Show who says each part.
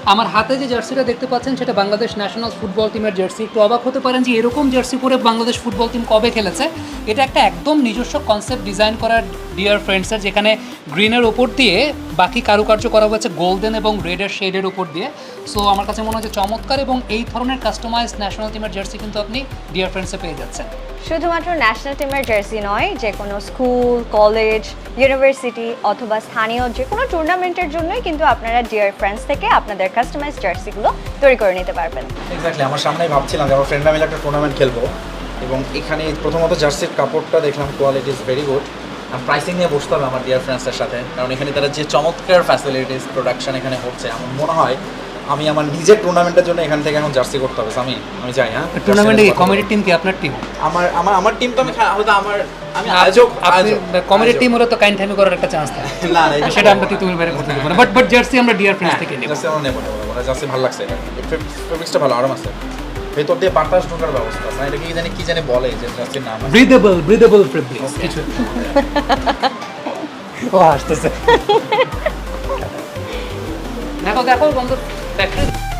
Speaker 1: আমার হাতে যে জার্সিটা দেখতে পাচ্ছেন সেটা বাংলাদেশ ন্যাশনাল ফুটবল টিমের জার্সি। একটু অবাক হতে পারেন যে এরকম জার্সি পরে বাংলাদেশ ফুটবল টিম কবে খেলেছে। এটা একটা একদম নিজস্ব কনসেপ্ট ডিজাইন করা ডিয়ার ফ্রেন্ডসের, যেখানে গ্রিনের ওপর দিয়ে বাকি কারুকার্য করা হয়েছে গোল্ডেন এবং রেডের শেডের উপর দিয়ে। সো আমার কাছে মনে হচ্ছে চমৎকার, এবং এই ধরনের কাস্টমাইজ ন্যাশনাল টিমের জার্সি কিন্তু আপনি ডিয়ার ফ্রেন্ডসে পেয়ে যাচ্ছেন।
Speaker 2: শুধুমাত্র ন্যাশনাল টিমের জার্সি নয়, যে কোনো স্কুল, কলেজ, ইউনিভার্সিটি অথবা স্থানীয় যে কোনো টুর্নামেন্টের জন্যই কিন্তু আপনারা ডিয়ার ফ্রেন্ডস থেকে আপনাদের কাস্টমাইজ জার্সিগুলো তৈরি করে নিতে পারবেন।
Speaker 3: এক্স্যাক্টলি, আমার সামনেই ভাবছিলাম যে আমার ফ্রেন্ডরা মিলে একটা টুর্নামেন্ট খেলবো, এবং এখানে প্রথমত জার্সির কাপড়টা দেখলাম, কোয়ালিটি ইজ ভেরি গুড। আর প্রাইসিং নিয়ে বসতে হবে আমার ডিয়ার ফ্রেন্ডসের সাথে, কারণ এখানে তারা যে চমৎকার ফ্যাসিলিটিস প্রোডাকশন এখানে হচ্ছে, আমার মনে হয় আমি আমার নিজের টুর্নামেন্টের জন্য এখান থেকে এখন জার্সি করতে হবে। আমি যাই। হ্যাঁ,
Speaker 1: টুর্নামেন্টে কমিটির টিম কি আপনার টিম?
Speaker 3: আমার টিম তো হয়তো আমি আয়োজক।
Speaker 1: কমিটির টিম হলে তো কাইন্ড টাইম করার একটা চান্স থাকে।
Speaker 3: না
Speaker 1: সেটা আমরা তুমি বাইরে করতে পারবো না, বাট জার্সি আমরা ডিয়ার ফ্রেন্ডস থেকে নেব।
Speaker 3: জার্সি আমরা নেবো। জার্সি ভালো লাগছে, ফেব্রিক্সটা ভালো, আরাম আছে, ভেতর দিয়ে বাতাস ঢোকার ব্যবস্থা আছে। এটা কি জানি বলে যে জার্সির নাম
Speaker 1: ব্রিদেবল ফেব্রিক্স কিছু। ও আসতেছে। দেখো বন্ধু, ফ্যাক্টরি